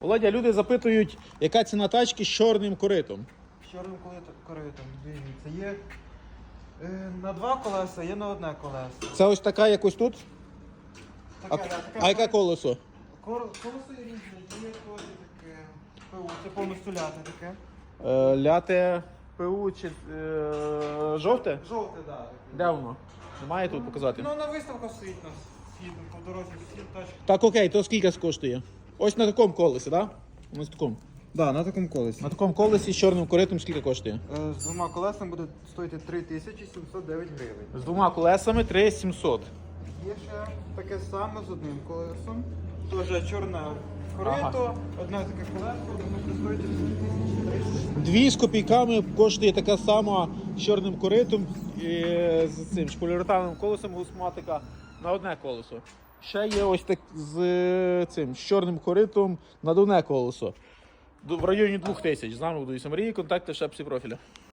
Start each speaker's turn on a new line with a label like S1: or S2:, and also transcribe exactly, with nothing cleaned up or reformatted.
S1: Володя, люди запитують, яка ціна тачки з чорним коритом.
S2: З чорним коритом, дивіться, є е, на два колеса, є на одне колесо.
S1: Це ось така якось тут? А,
S2: Таке, да, таке
S1: а яке колесо?
S2: Кор- Колесо є різне, є теж таке ПУ, це повністю ляте таке.
S1: Е, ляте ПУ чи е, жовте?
S2: Жовте, так. Да,
S1: Де воно? Немає тут показати?
S2: Ну на виставках стоїть у нас, їде по дорозі, всі тачки.
S1: Так, окей, то скільки коштує? Ось на такому колесі, так? Да? Ось такому.
S2: Да, на такому колесі.
S1: На такому колесі з чорним коритом скільки коштує?
S2: Е, З двома колесами буде стоїти три тисячі сімсот дев'ять гривень.
S1: З двома колесами три тисячі сімсот.
S2: Є ще таке саме з одним колесом. Теж чорне корито,
S1: Ага.
S2: одне таке колесо, воно буде стоїти дві тисячі триста.
S1: Дві з копійками коштує така сама з чорним коритом і з цим шполіуретановим колесом гусматика на одне колесо. Ще є ось так з цим з чорним коритом на одне колесо. В районі двох тисяч. З нами будуть Марії, контакти в шапці профіля.